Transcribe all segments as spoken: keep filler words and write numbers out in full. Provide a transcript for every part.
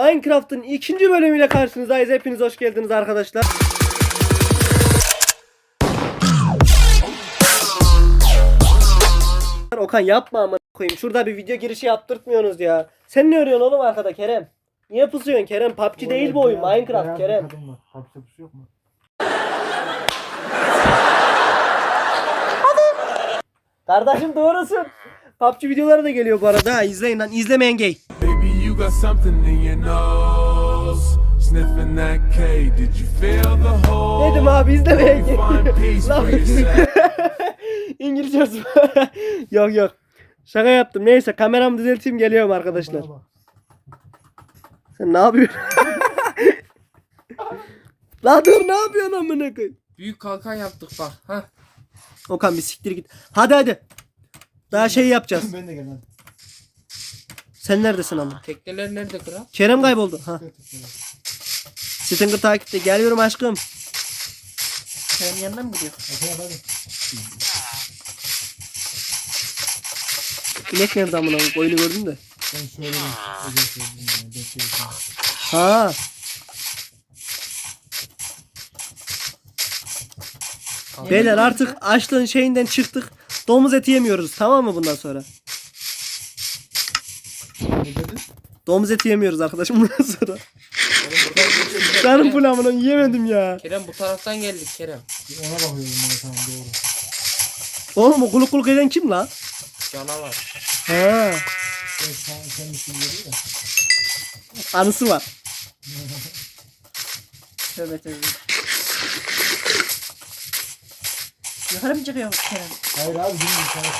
Minecraft'ın ikinci bölümüyle karşınızdayız. Hepiniz hoş geldiniz arkadaşlar. Okan yapma amına koyayım. Şurada bir video girişi yaptırtmıyorsunuz ya. Sen ne arıyorsun oğlum arkada Kerem? Niye pusuyorsun Kerem? P U B G değil bu oyun. Minecraft Kerem. P U B G'de pusu yok mu? Kardeşim doğrusun. P U B G videoları da geliyor bu arada. Ha, izleyin lan. İzlemeyen gay. Baby, you got something in your nose. Sniffing that K. Did you feel the hole? Dedim abi izlemeyen gay. İngilizce olsun. Yok yok. Şaka yaptım. Neyse kameramı düzelteyim, geliyorum arkadaşlar. Sen ne yapıyorsun? La dur, ne yapıyorsun amına koyayım? Büyük kalkan yaptık bak. Ha. Okan bir siktir git. Hadi hadi. Daha şey yapacağız. Ben de gelmem. Sen neredesin ama? Tekneler nerede kral? Kerem kayboldu. Ha. Stinger takipte. Geliyorum aşkım. Kerem yanına mı gidiyor? Hadi hadi. İnek nerede amına koyayım? Oyunu gördüm de. Ben söyledim. Özel söyledim. Ben söyledim. Ha. Beyler artık açlığın şeyinden çıktık. Domuz eti yemiyoruz, tamam mı bundan sonra? Ne dedin? Domuz eti yemiyoruz arkadaşım bundan sonra. Canım full amına yiyemedim ya. Kerem bu taraftan geldik Kerem. Ona bakıyorum ben, tamam doğru. Oğlum o kuluk kuluk eden kim la? Canavar. Ha. Evet, sen, sen bir şey dedin de. Anısı var. Tövbe tövbe. Yukarı mı çıkıyor Kerem? Hayır abi bilmiyorum sana.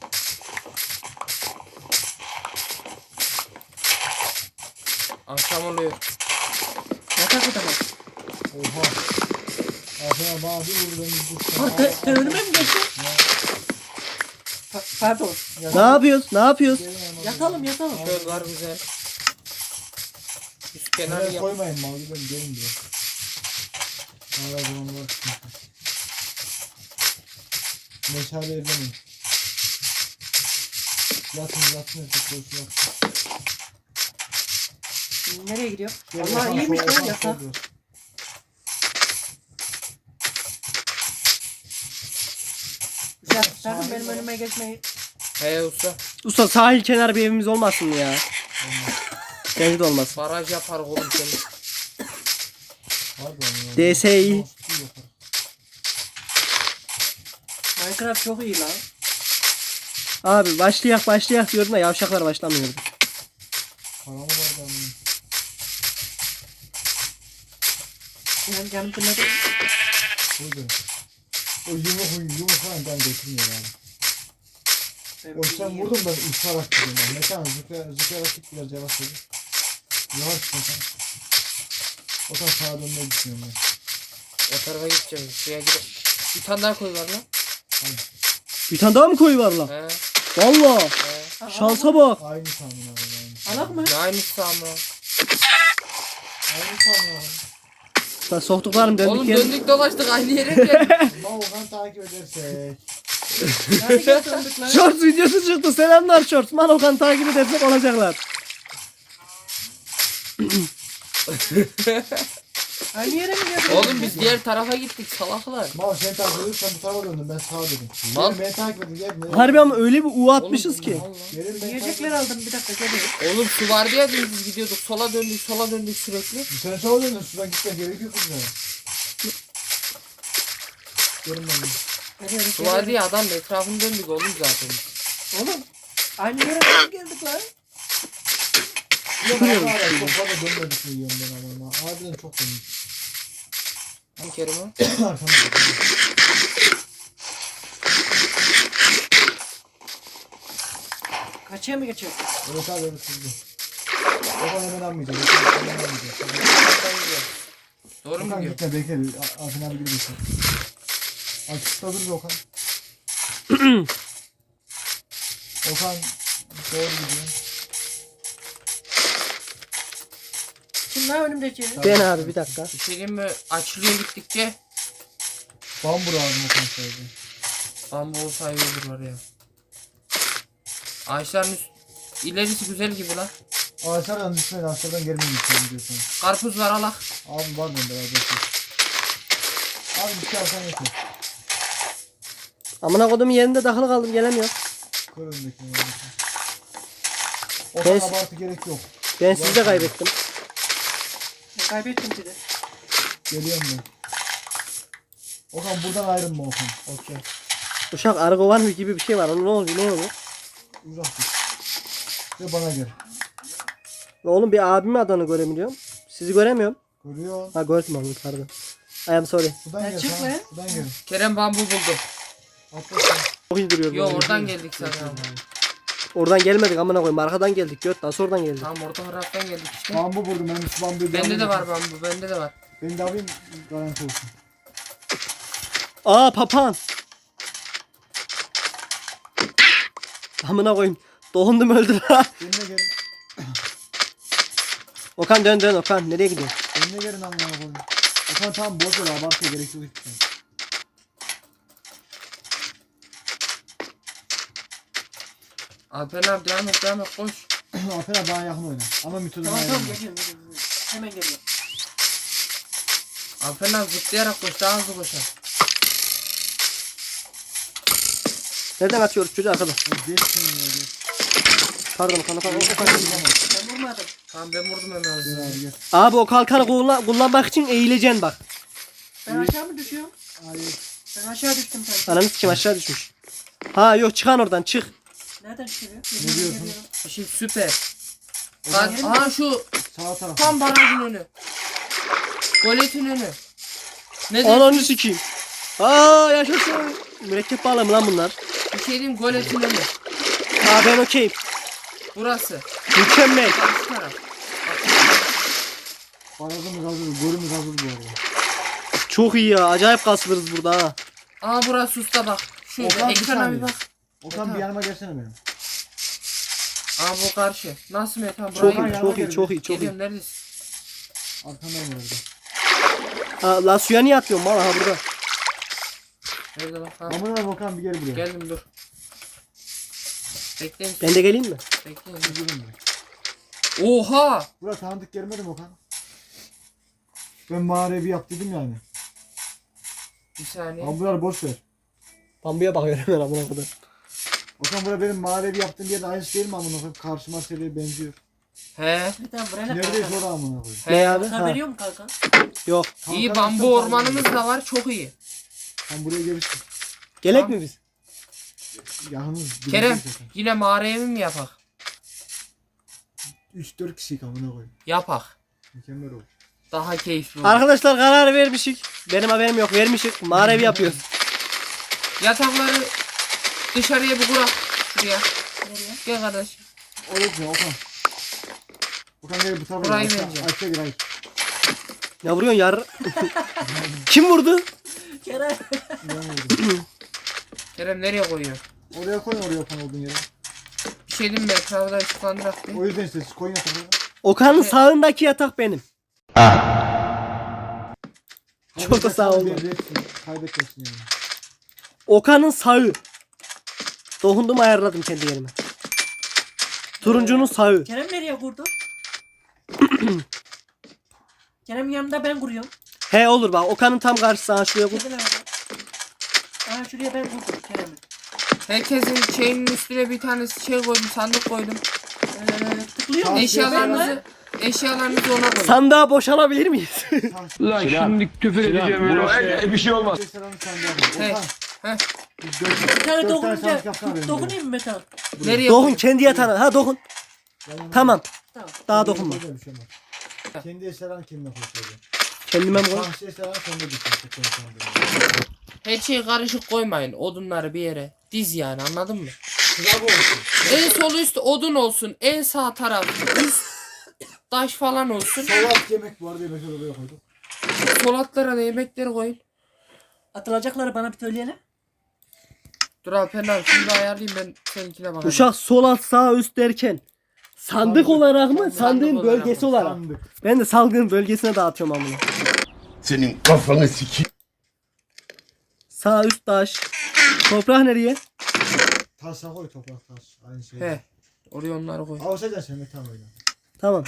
Akşam oluyor. Yatak odama. Oha. Aferin bana bir vurdu ben bir Ha, te, te önüme mi geçti? Pa- pardon. Ne yapıyoruz? Ne yapıyoruz? Yatalım yatalım. Şöyle var güzel. Üst kenarı Kenara yap. koymayın mal gibi, ben gelin diyor. Hala zaman var. Meşale evlenin. Yatın yatın yatın yatın. Nereye gidiyor? Gel, Allah Okan, iyiymiş Okan, lan Okan, yatak. Okan. Ya sakın benim önüme geçmeyi. He usta. Usta sahil kenarı bir evimiz olmasın mı ya? Bence de olmaz. Baraj yapar oğlum seni. Pardon ya. D S I. Nasıl yapar? Minecraft çok iyi lan. Abi başlayak başlayak diyordum da yavşaklar başlamıyordu. Para mı var da? Benim canım fırladı. Buydu. O yumruk yumruk falan ben götürmüyor abi. O sen vurdun ben uçarak gidiyorum ben. Mekan zıplayarak zıplayarak git biraz yavaş hadi. Yavaş mekan. O taraf sağa dönmeyi düşünüyorum ben. O tarafa gideceğiz. Suya gidelim. Bir tane daha koy var lan. Bir tane daha mı koyu var lan? He. Valla. He. Şansa bak. Aynı tahmin abi aynı. Alak mı? Ne aynısı ama. Aynı tahmin abi. Lan soktuklarım döndük Oğlum geri. döndük dolaştık aynı yere mi geldik? Ama Okan takip edersek. Shorts videosu çıktı. Selamlar Shorts. Manokan takip edersek olacaklar. Aynı yere mi geldin? Oğlum biz diğer tarafa gittik salaklar. Mal sen takip ediyorsun, sen bu tarafa döndün, ben sağa dedim. Mal. Gelin beni takip edin, gel. beni- Harbi ama öyle bir U atmışız Oğlum, ki. Allah. Gelin beni Yiyecekler takip aldım bir dakika geliyorum. Oğlum su vardı ya biz gidiyorduk. Sola döndük sola döndük sürekli. Sen sağa döndün, sudan gitmen gerekiyor kızlar. Gelin ben. Geliyorum, Su vardı ya adam etrafını döndük oğlum zaten. Oğlum aynı yere nasıl geldik lan? Yok abi, abi, çok fazla dönmedik mi diyorum ben adama. Harbiden çok döndük. Bir kere mi? Arkamda. Kaçıya mı geçiyor? Evet abi evet hızlı. Okan hemen almayacak. Okan hemen almayacak. Doğru mu Okan diyor? gitme bekle. Afin abi gibi geçsin. Açıkta dur be Okan. Okan doğru gidiyor. Kim lan önümdeki? Ben abi bir dakika. Bir şey diyeyim mi? Açılıyor gittikçe. Bambur ağzına Okan söyledi. Bambu olsa iyi olur var ya. Ağaçların üst... ilerisi güzel gibi lan. Ağaçlardan düşmeyin, ağaçlardan gelmeyin istiyorum diyorsun. Karpuz var alak. Abi var bende biraz bekle. Abi bir şey alsan yeter. Amına kodum yerinde takılı kaldım gelemiyorum. Kır önündekini önündekini. O Ben- kadar abartı gerek yok. Ben sizi de kaybettim. Ben kaybettim seni. Geliyorum ben. Okan buradan ayrılma Okan. Okey. Uşak arı kovan gibi bir şey var. Onun ne oluyor? Ne oluyor? Uzak dur. Ve bana gel. Oğlum bir abimin adını görebiliyorum. Sizi göremiyorum. Görüyorsun. Ha gördüm onu pardon. I am sorry. Buradan Ya gel. çık Tamam. lan. Buradan gel. Kerem bambu buldu. Atla sen. Çok iyi duruyor. Yo bu. oradan geldik zaten. Oradan gelmedik amına koyayım. Arkadan geldik. Göt nasıl oradan geldik? Tamam orta taraftan geldik işte. Bambu vurdum ben şu bambuyu. Bende de alayım. var bambu. Bende de var. Ben de alayım garanti olsun. Aa papağan. Amına koyayım. Doğundum öldü ha. Benimle gelin. Okan dön dön Okan. Nereye gidiyorsun? Benimle gelin amına koyayım. Okan tamam boş ver abartıya gerek yok hiç. Alper abi devam et devam et koş. Aferin daha yakın oyna. Ama müthiş Tamam tamam ayrılma. geliyorum geliyorum. Hemen geliyorum. Alper abi zıplayarak koş daha hızlı koşar. Nereden atıyoruz çocuğu arkadan? Geç seni ya geç. Pardon Okan Okan. Okan. Ben vurmadım. Tamam ben vurdum hemen Gel hızlı. abi gel. Abi o kalkanı kullan kullanmak için eğileceksin bak. Ben aşağı mı düşüyorum? Hayır. Ben aşağı düştüm sanki. Ananı sikeyim aşağı düşmüş. Ha yok çıkan oradan çık. Nereden çıkıyor? Ne diyorsun? Bir şey süper. Okan, Bak aha şu sağ taraf. tam barajın önü. Goletin önü. Ne diyorsun? Ananı sikeyim. Aa yaşasın. Mürekkep bağlı mı lan bunlar? Bir şey diyeyim goletin önü. Aa ben okeyim. Burası. Mükemmel. Karşı taraf. Barajımız hazır. Golümüz hazır bu arada. Çok iyi ya. Acayip kasılırız burada ha. Aa burası usta bak. Şurada Okan, bir ekrana saniye. bir bak. Okan Tamam. bir yanıma gelsene benim. Aa bu karşı. Nasıl Metan? Çok Burayı iyi, yanıma çok iyi, geldi. çok iyi, çok iyi. Geliyorum neredesin? Arkamdan geldi. Ha, la suya niye atıyorsun mal ha burada? Nerede bak? Ha. Aman abi Okan bir gel buraya. Geldim dur. Bekleyin. Ben de geleyim mi? Bekleyin. Bir durun buraya. Oha! Buraya tanıdık gelmedi mi Okan? Ben mağarayı bir yap dedim yani. Bir saniye. Abi bunları boş ver. Bambuya bakıyorum ben amına kadar. Okan buraya benim mağarayı bir yaptığım yerin aynısı değil mi amına koyayım? Karşıma seriye benziyor. He. Bir tane buraya ne Neredeyiz kalkan? orada amına koyayım? Ne abi? Sana Ha. veriyor mu kalkan? Yok. İyi Kalkan bambu açsam ormanımız kalkan. da var çok iyi. Sen buraya gelirsin. Gelek Tamam. mi biz? Yakınız. Kerem yine mağara evi mi yapak? üç dört kişilik amına koyayım. Yapak. Mükemmel olur. Daha keyifli olur. Arkadaşlar karar vermişik. Benim haberim yok. Vermişik. Mağara evi yapıyoruz. Yatakları dışarıya bir kurak. Şuraya. Nereye? Gel kardeş. Orası Okan. Okan gel bu tarafa. Burayı gel. bence. Aşağı gir hayır. Ne vuruyorsun yar? Kim vurdu? Kerem. Ben vurdum. Kerem nereye koyuyor? Oraya koy oraya Okan olduğun yere. Bir şey diyeyim mi? Etrafı da ışıklandırak bir. O yüzden işte siz koyun yatakları. Okan'ın sağındaki yatak benim. Çok da sağ ol. Kaybetmesin yani. Okan'ın sağı. Dokundum ayarladım kendi yerime. Turuncunun sağı. Kerem nereye kurdu? Kerem yanımda ben kuruyorum. He olur bak. Okan'ın tam karşısı. Ha şuraya koy. Kerem nerede? Aha şuraya ben kurdum Kerem'i. Herkesin şeyinin üstüne bir tane şey koydum, sandık koydum. Ee, tıklıyor mu? Tamam, Eşyalarınızı, eşyalarınızı ona koyun. Sandığa boşalabilir miyiz? Lan şimdi küfür edeceğim öyle. E, bir şey olmaz. Selam sen de Hey, Okan. heh. biz dört- Bir tane dört tane dokununca sandık yapsana benim dokunayım mı Metan? Nereye dokun koyun? kendi yatağına. Ha dokun. benim. Tamam. Tamam. Daha dokunma. Böyle bir şey olmaz. Kendi eşyalarını kendine koy. Kendime mi koy? Şahsi eşyalarını sende düşün. Her şeyi karışık koymayın. Odunları bir yere. Diz yani anladın mı? Sıra bu olsun. En sol üst odun olsun. En sağ taraf üst taş falan olsun. Salat yemek bu arada yemekleri oraya koyduk. Solatlara da yemekleri koyun. Atılacakları bana bir söyleyelim. Dur Alper abi şimdi ayarlayayım ben seninkine bakayım. Uşak sol alt sağ üst derken. Sandık Sandık. olarak mı? Sandık Sandığın olarak bölgesi mı? olarak. Sandık. Ben de salgın bölgesine dağıtıyorum amına. Senin kafanı sikeyim. Sağ üst taş. Toprak nereye? Taşa koy toprak taş. Aynı şey. He. Oraya onları koy. Avuçacaksın sen de tam öyle. Tamam.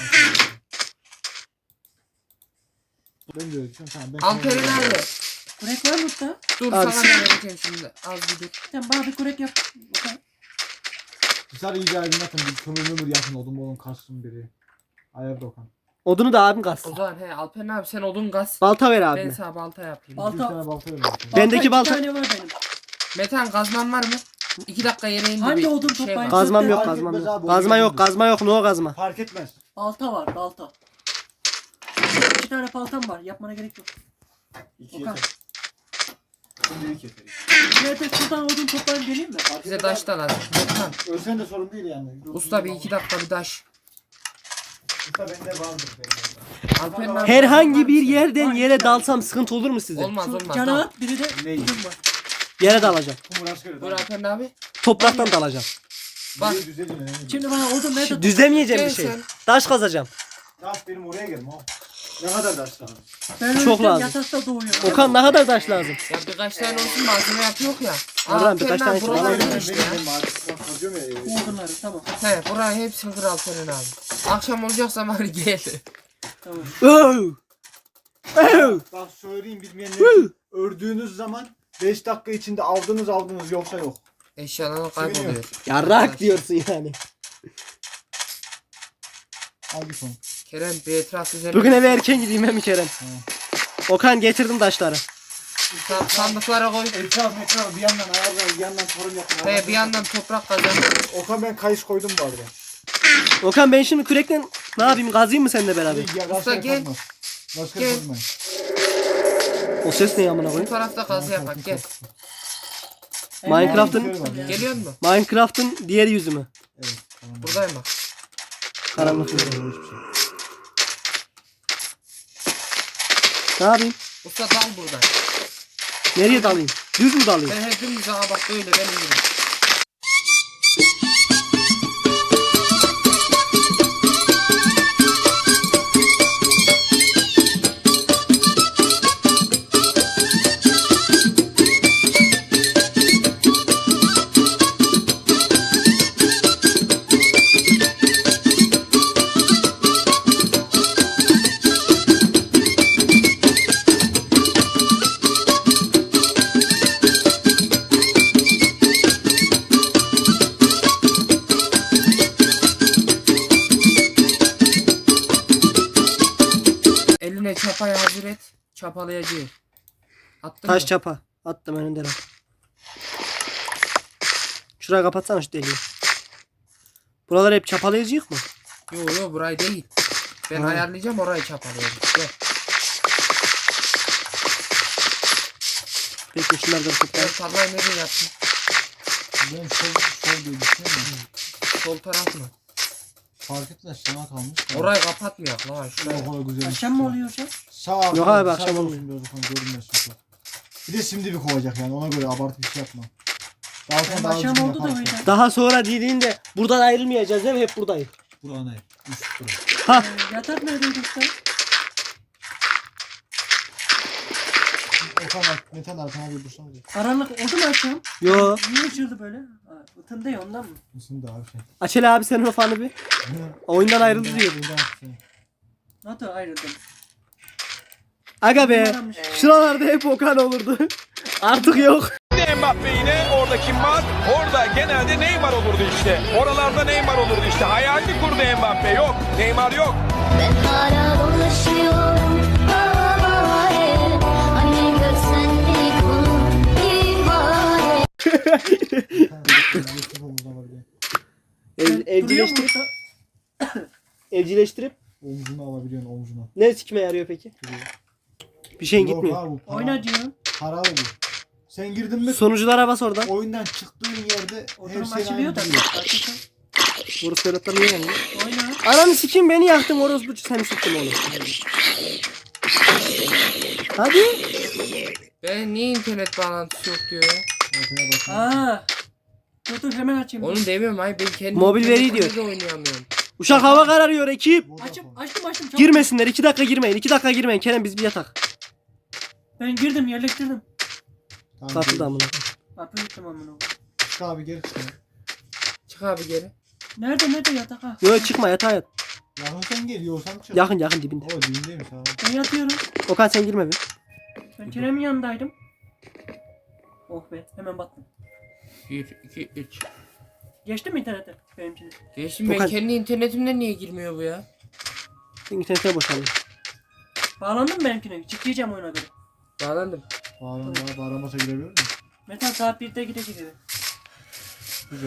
Ben de öyle düşünüyorum. Tamam ben Alperen abi. Kurek var mı usta? Dur Abi, sana sen- da vereceğim şimdi. Az bir dur. Sen bana bir kurek yap. Bakalım. Dışarı iyice aydınlatın. Bir kömür ömür yakın odun bolun kalsın biri. Ayarda Okan. Odunu da abim kalsın. O zaman he Alperen abi sen odun gaz. Balta ver Ben abime. sana balta yapayım. Balta- Bir tane balta verin. Balta. Bendeki Balta balta- iki tane var benim. Metan gazman var mı? İki dakika yere indi. Hangi bir odun şey toplayın? var. Kazmam yok Fark kazmam etmez yok. abi, Kazma onu yok gördüm. kazma yok no kazma. Fark etmez. Balta var balta. İki tane baltam var. Yapmana gerek yok. İki Okan. yeter. Şimdi iki yeter. Nerede şuradan odun toplayayım geleyim mi? Bize taş da lazım. Metan. Ölsen de sorun değil yani. Usta bir iki dakika bir taş. Usta bende vardır. Alperen abi. Herhangi bir Var mı yerden Var, yere iki tane. dalsam sıkıntı olur mu size? senin? Olmaz Şu olmaz. cana Tamam. at biri de Neyi? odun var. Yere dalacağım. Kumur askeri. Buyur Alperen abi. Topraktan dalacağım. Bak. Şimdi bana odun nerede? Düzlemeyeceğim bir Gel şey. sen. Taş kazacağım. Taş benim oraya gelme o. Ne kadar taş lazım? Ben Çok ölürken lazım. yatakta doğuyorum. Okan ne kadar taş lazım? Ya birkaç tane olsun malzeme yapıyor ya. Allah'ım, Alperen birkaç abi, tane buralar var. Benim ne benim işte benim ya? benim artık ben kazıyorum ya. Bu odunları tamam. He burayı hepsini kır Alperen abi. Akşam olacaksa bari gel. Tamam. Oh! Oh! Bak söyleyeyim bilmeyenler için. Ördüğünüz zaman beş dakika içinde aldınız aldınız yoksa yok. Eşyalar kayboluyor. Yarrak diyorsun yani. Al bir son. Kerem bir etraf üzerine. Bugün eve erken gideyim hem Kerem. Hı. Okan getirdim taşları. Sa- sandıklara koy. Etraf etraf bir yandan ayarlar bir yandan torun yapın. He bir yandan toprak kazan. Okan ben kayış koydum bu arada. Okan ben şimdi kürekle ne yapayım kazıyım mı seninle beraber? Hadi ya Usta rastgele gel. kazma. Rastgele Gel. kazma. O ses ne amına Bu koyayım? tarafta kazı yapak gel. Minecraft'ın Geliyor mu? Minecraft'ın diğer yüzü mü? Evet. Tamam. Buradayım bak. Karanlık yüzü. Hiçbir şey. Ne yapayım? Usta dal buradan. Nereye dalayım? Düz mü dalayım? Ben her dümdüz aha bak böyle benim gibi. Eline çapayı hazır et. Çapalayacağız. Attın Taş mı? çapa. Attım önünden al. Şurayı kapatsana şu deliği. Buraları hep çapalayacak mı? Yo yo burayı değil. Ben Ha. ayarlayacağım orayı çapalayacağım. Gel. Peki şunları da Ben toplayalım. tarlayı nereye yaptın? Ben sol sol diye düşünüyorum. Sol taraf mı? Fark etmez sana kalmış. Orayı kapatmayak lan şuraya. O kadar güzel. Akşam mı oluyor hocam? Sağ Yok abi, akşam olmuyor. olmuyor. Görünmez çok. Bir de şimdi bir kovacak yani ona göre abartı bir şey yapma. Daha sonra Benim daha akşam düzgün oldu da yaparsın. öyle. Daha sonra dediğinde buradan ayrılmayacağız değil mi? Hep buradayız. Bura ne? Üst bura. Ha. Ee, yatak neredeydi usta? Okan bak Metan arkana bir dursana. Karanlık oldu mu akşam? Yo. Niye ışıldı böyle? Ha, ıtındı ya ondan mı? Mısın da abi şey. Açel abi senin o fanı bir. Oyundan ayrıldı diyor. Nasıl ayrıldım? Aga be. Numaranmış. Şuralarda hep Okan olurdu. Artık yok. Mbappe yine orada kim var? Orada genelde Neymar olurdu işte. Oralarda Neymar olurdu işte. Hayalini kurdu Mbappe. Yok. Neymar yok. Ben hala dolaşıyorum havaya. Hani görsen bir konu ihale. Ev, Duruyor mu evcilleştirip, usta? evcilleştirip Omzuna alabiliyorsun omzuna. ne sikime yarıyor peki? Bir şeyin Yok gitmiyor. abi bu para. Oyna diyorum. Paralı bu. Sen girdin mi Sonuculara bas oradan. oyundan çıktığın yerde her Oturum şey açılıyor aynı da. duruyor. Hakikaten. Burası Ferhat'tan niye geldi? Oyna. Ananı sikeyim beni yaktın orospu seni sıktım oğlum. Hadi. Ben niye internet bağlantısı yok diyor ya? Ortaya bakın. Aa. Dur dur hemen açayım. Onu demiyorum ay ben kendim Mobil veri internetimde diyor. de oynayamıyorum. Uşak hava kararıyor ekip. Açım, açtım açtım. Çabuk. Girmesinler iki dakika girmeyin. iki dakika girmeyin. Kerem biz bir yatak. Ben girdim yerleştirdim. Tamam, Kapıda gel. amına. Kapı yıktım amına. Çık abi geri çık. Çık abi geri. Nerede nerede yatak ha? Yok çıkma yatağa yat. Yakın sen gel yiyorsan çık. Yakın yakın dibinde. O dibindeymiş abi. Ben yatıyorum. Okan sen girme bir. Ben Kerem'in yanındaydım. Oh be hemen battım. bir, iki, üç. Geçti mi internete benimkini? Geçtim ben Okan- kendi internetimden niye girmiyor bu ya? İnternete boşalıyor. Bağlandın mı benimkine? Çıkacağım oyuna göre. Bağlandım. Bağlan bana bağlamasa girebilir miyim? Metal saat birde gidecek eve. Güzel.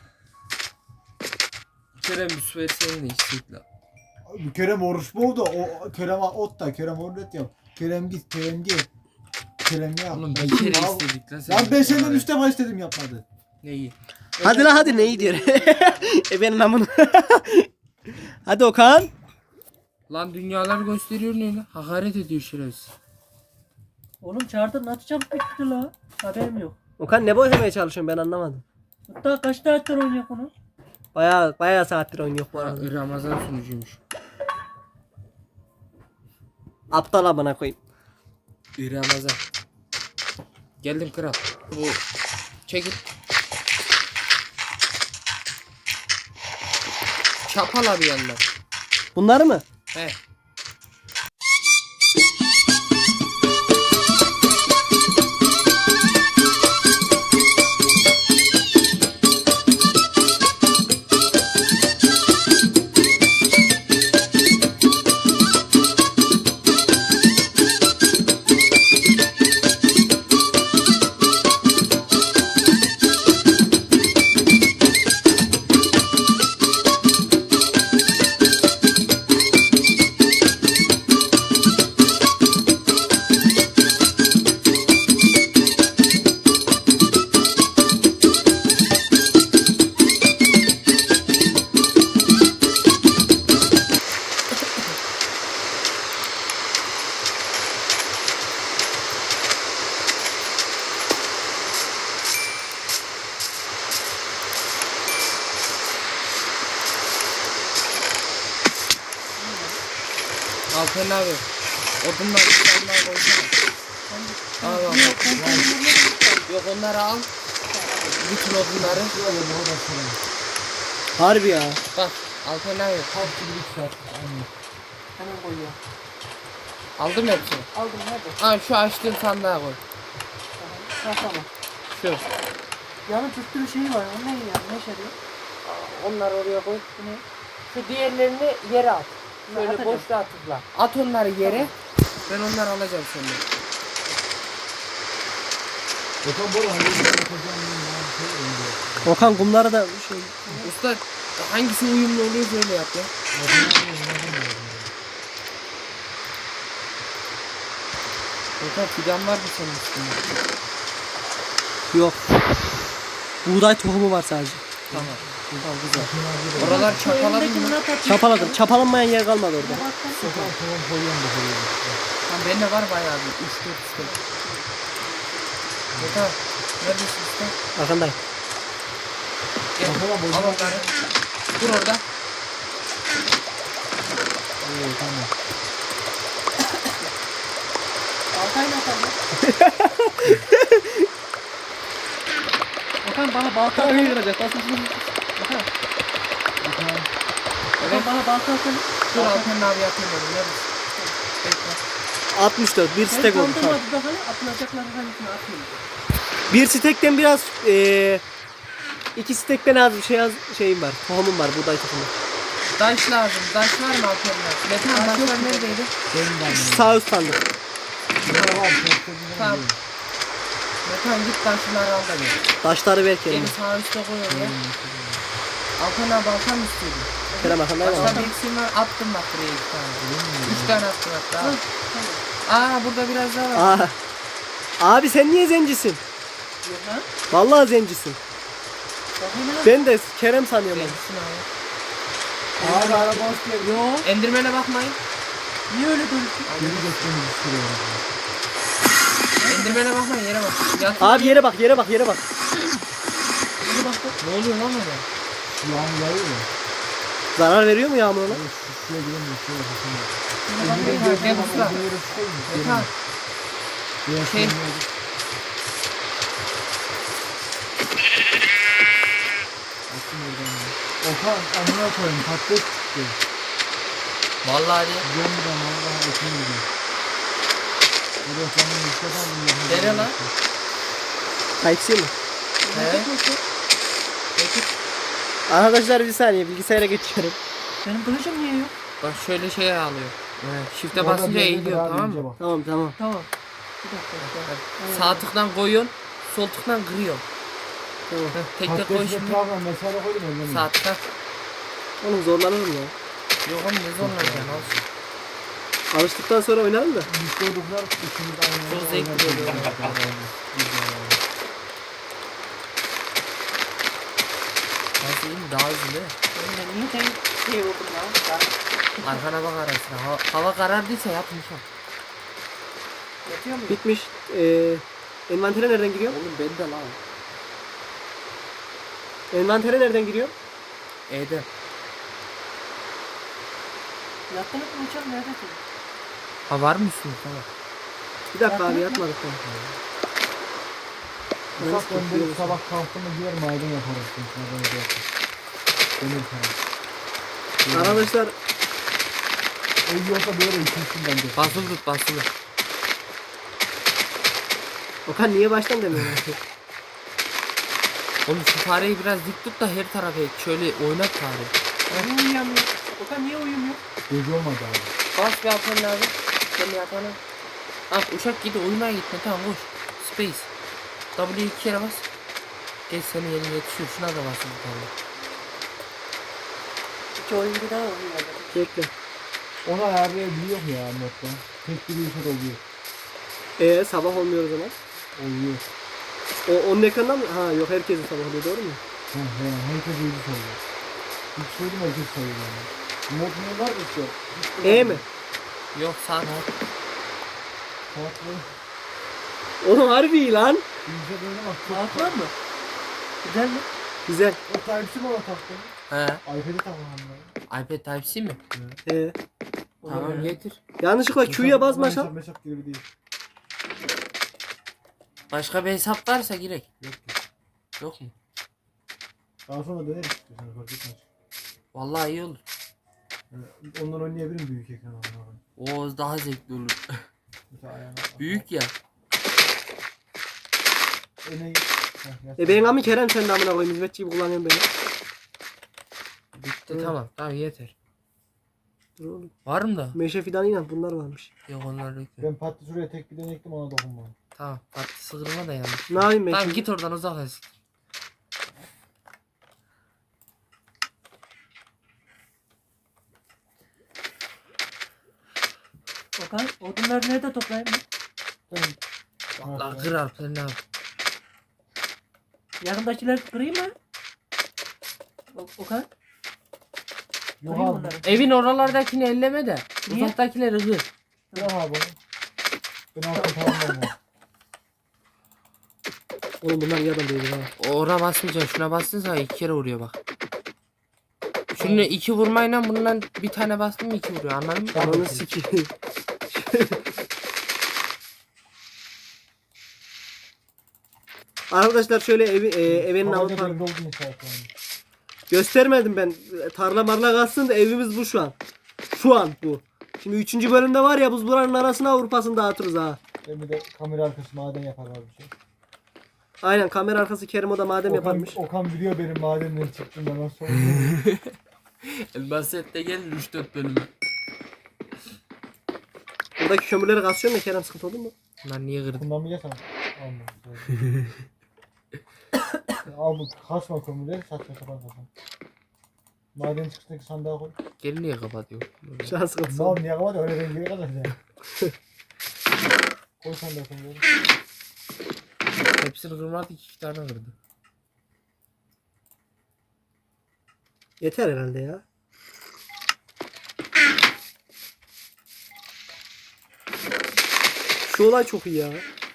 Kerem bir versene de içsek la. Abi Kerem oruç boğdu. O Kerem ot da Kerem oruç yap. Kerem git Kerem gel. Kerem ne yap? Oğlum Ben bir kere gittim abi. istedik lan sen. Lan ben senden üç defa istedim yapmadı. Neyi? Hadi la hadi neyi diyor. e benim amına. Hadi Okan. Lan dünyalar gösteriyor ne lan? Hakaret ediyor şerefsiz. Oğlum çağırdın nasıl çabuk bitti la? Haberim yok. Okan ne boşamaya çalışıyorsun ben anlamadım. Hatta kaç saattir oynuyor bunu? Baya baya saattir oynuyor bu Ha, arada. Ramazan sunucuymuş. Aptal amına koyayım. Ramazan. Geldim kral. Bu çekil. Çapala bir yandan. Bunları mı? He. Alpen abi. Odunlar odunlar koysana. Al al. Yok onları al. Bütün odunları. Harbi ya. Bak Alpen abi. Hemen koyuyor. Aldım hepsini. Aldım nerede? Al şu açtığın sandığa koy. Ha tamam. Şu. Yanın tuttuğu şey var. O ne ya? Ne şey diyor? Onları oraya koy. Bu ne? Şu diğerlerini yere at. Şöyle Atacağım. boşluğa tıkla. At onları yere. Ben onları alacağım senden. Okan bu arada hangi yapacağım ben şey önce. Okan kumları da şey. Usta hangisi uyumlu oluyor böyle yap ya. Okan fidan var mı senin üstünde? Yok. Buğday tohumu var sadece. Tamam. Tamam güzel. Oralar çapaladın mı? Çapaladım. Çapalanmayan yer kalmadı orada. Okan tamam koyuyorum da koyuyorum. Tamam bende var bayağı bir üç dört üstte. Okan neredesin usta? Arkandayım. Gel. Bakalım, Al bozma. onları. Dur orada. Oo tamam. Baltayla atalım. Okan bana balta Tamam atalım. yürüyecek. Basın şunu. Okan. Okan. Okan bana balta atalım. Dur Alpen abi yapayım dedim. Neredesin? Bekle. altmış dört. Bir Ben stek oldu. Tamam. kaldırmadı da hani atılacakları hangisini atayım. Bir stekten biraz eee iki stekten az bir şey az şeyim var. Tohumum var buğday tohumu. Daş lazım. Daş var mı Alpen'le? Metan Daş yok daşlar mu? neredeydi? Benim de Şu sağ üst sandık. Bunlar var. Çok da Tamam. Metan git daşları al da gel. Taşları ver Beni kendine. sağ üstte koy oraya. Alpen abi alsam istiyordum. Kerem arkandayım ama. Başka bir eksiğim var. Attım bak buraya iki tane. Üç tane attım hatta. Aa burada biraz daha var. Aa. Abi sen niye zencisin? Yok lan. Vallahi zencisin. Bakayım lan. Ben de Kerem sanıyorum. onu. Benimsin abi. Abi araba hoş geldin. Yo. Endirmene bakmayın. Niye öyle dönüştün? Geri geçtiğimiz istiyor. Endirmene bakmayın yere bak. Yat. Abi yere bak yere bak yere bak. Hadi baktım. Ne oluyor lan orada? Şu yağmur yağıyor ya. Zarar veriyor mu yağmur ona? Abi şu şuraya giremiyor. Şöyle bakın. Yine bakmayın. Gel usta. Metan. Şey. Okan amına koyayım patates çıktı. Vallahi de. Gidiyorum ben vallahi ekim gidiyor. Burada kendimi istedim. Dene lan. Type-C mi? He. Peki. Arkadaşlar bir saniye bilgisayara geçiyorum. Benim kılıcım niye yok? Bak şöyle şey alıyor. Evet. Shift'e Orada basınca bir yerdedir eğiliyor abi, tamam ince mı? bak. Tamam tamam. Tamam. Bir dakika. bir dakika. Sağ tıktan koyuyorsun. Sol tıktan kırıyorsun. Tamam. Heh, tek tek koy Patatesin şimdi. etrafına mesele koydum elden. Sağ tıktan. Oğlum zorlanır mı ya? Yok oğlum ne zorlanacaksın olsun. Alıştıktan sonra oynarım da. Biz koyduklar ikimiz aynı anda Çok zevkli oynadık. oluyor. Nasıl iyi mi? Daha hızlı değil mi? Ben niye sen şey oldum lan? Ben Arkana bak arasına. Hava, hava karardıysa yapmışım. yatıyor muyum? Bitmiş. Ee, envantere nereden giriyor? Oğlum ben de lan. Envantere nereden giriyor? E'de. Yattınız mı uçak neredesin? Ha var mısın? Tamam. Bir dakika abi Yaptın mı? yatmadık tamam. Ufak ben sabah kalktığımda gider maden yaparız. Maden yaparız. Demir falan. Arkadaşlar Ev yoksa böyle ikisin bence. Basılı tut basılı. Okan niye baştan demiyorsun? Oğlum şu fareyi biraz dik tut da her tarafa et. Şöyle oynat fareyi. Niye uyuyamıyor? Okan niye uyumuyor? Gece olmadı abi. Bas bir yapman lazım. Sen yapana. Al uçak gidiyor oyuna gitme tamam koş. Space. W iki kere bas. Geç senin yerine yetişiyor. Şuna da basın bir tane. İki oyuncu daha uyuyor. Bekle. Onu ayarlayabiliyor mu ya modda? Tek bir işe oluyor. Ee sabah olmuyor o zaman. Oluyor. O onun ekranından mı? Ha yok herkesin sabah oluyor doğru mu? He he herkes uyuyor sayıyor. Hiç söyledim herkes sayıyor yani. Mod ne var mı işte? Hiç E yok. mi? Yok saat. Farklı. Oğlum harbi iyi lan. İyice böyle bak. çok Saat var mı? Güzel mi? Güzel. O Type-C mi ona taktın? He. iPad'i takalım ben. iPad Type-C mi? Ee, Tamam getir. yanlışlıkla Q'ya basmaşam. Meşap meşap gibi değil. Başka bir hesap varsa girek. Yok ki. Yok mu? Daha sonra deneriz istiyorsan fark etmez. Vallahi iyi olur. Yani ondan oynayabilirim büyük ekran almadan. O daha zevkli olur. Mesela ayağına. Büyük ya. Öne E benim amı Kerem sen de amına koyayım hizmetçi gibi kullanıyorsun beni. Bitti tamam. Tamam yeter. Dur oğlum. Var mı da? Meşe fidanıyla bunlar varmış. Yok onlar yok. ya. Ben patlı şuraya tek bir denektim ona dokunmam. Tamam. Tatlı sıkılma da yanlış. Ne yapayım ben Tamam şimdi? git oradan uzaklaş. Okan odunları nerede toplayayım mı? Vallahi kır Alper ne yap? Yakındakileri kırayım mı? O- Okan? Yok Kırayım abi. onları. Evin oralardakini elleme de. Niye? Uzaktakileri kır. Yok abi. Ben altın tamamlamam. Oğlum bunlar iyi adam değil ha. Oraya basmayacaksın. Şuna bastın sonra iki kere vuruyor bak. Şunu iki vurmayla bundan bir tane bastın mı iki vuruyor anladın mı? Ananı sikeyim. Arkadaşlar şöyle evi, e, evinin Havaca Avrupa devre oldu inşaat yani. göstermedim ben. Tarla marla kalsın da evimiz bu şu an. Şu an bu. Şimdi üçüncü bölümde var ya biz buranın arasına Avrupa'sını dağıtırız ha. Ben bir de kamera arkası maden yaparlar bir şey. Aynen kamera arkası Kerim o da madem Okan, yaparmış. Okan biliyor benim madenden çıktığımda nasıl oldu. Basette gelir üç dört bölümü. Buradaki kömürleri kasıyorum ya Kerem sıkıntı olur mu? Bunlar niye kırdın? Kullanmayacaksan alma. Al bu kasma kömürleri saçma sapan sapan. Maden çıkıştaki sandığa koy. Geri niye kapatıyor? Şu an sıkıntısı Mal olur. niye kapat öyle dengeye kadar ya. Koy sandığa kömürleri. Hepsini kırmadı iki tane kırdı. Yeter herhalde ya. Şu olay çok iyi ya.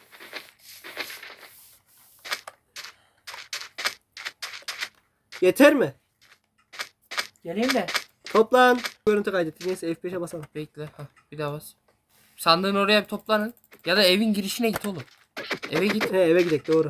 Yeter mi? Geleyim de. Toplan. Görüntü kaydettik. Neyse F beşe basalım. Bekle. Hah, bir daha bas. Sandığın oraya bir toplanın. Ya da evin girişine git oğlum. Eve git. He eve gidelim doğru.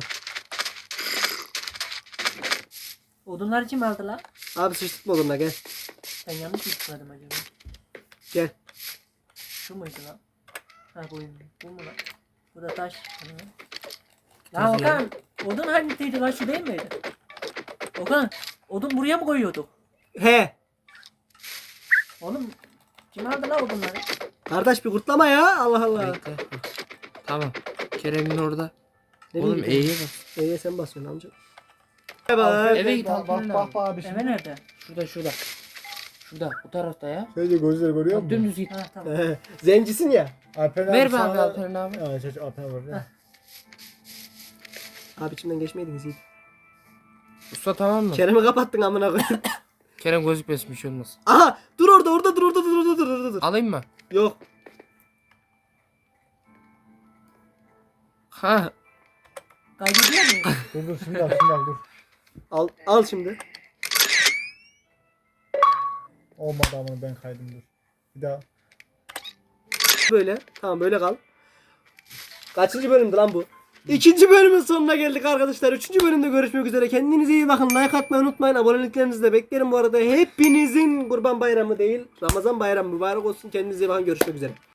Odunlar kim aldı lan? Abi sıçtık mı odunla gel. Ben yanlış mı tıkladım acaba? Gel. Şu muydu lan? Ha bu, bu mu lan? Bu da taş. Lan Okan, odun hangisiydi lan, şu değil miydi? Okan, odun buraya mı koyuyorduk? He. Oğlum, kim aldı lan odunları? Kardeş bir kurtlama ya. Allah Allah. Bekle. Tamam. Kerem'in orada. Ne Oğlum bileyim. E'ye bas. E'ye sen basıyorsun amca. Bay bay. Eve git Bak bak Alperen bak abi. bak abi Eve şimdi. nerede? Şurada şurada. Şurada bu tarafta ya. Şöyle gözleri görüyor Bak musun? dümdüz git. Ha tamam. Zencisin ya. Alperen Ver be sana- abi Alperen abi. Evet çocuk Alperen var. ya. Abi içimden geçmeydiniz iyi. Usta tamam mı? Kerem'i kapattın amına koyayım. Kerem gözükmesin bir şey olmaz. Aha dur orada orada dur orada dur orada dur orada dur. Alayım mı? Yok. Ha. Kaydediyor muyum? Dur dur şimdi al şimdi al dur. Al al şimdi. Olmadı ama ben kaydım dur. Bir daha. Böyle. Tamam böyle kal. Kaçıncı bölümdü lan bu? İkinci bölümün sonuna geldik arkadaşlar. Üçüncü bölümde görüşmek üzere. Kendinize iyi bakın. Like atmayı unutmayın. Aboneliklerinizi de beklerim bu arada. Hepinizin Kurban Bayramı değil, Ramazan Bayramı mübarek olsun. Kendinize iyi bakın. Görüşmek üzere.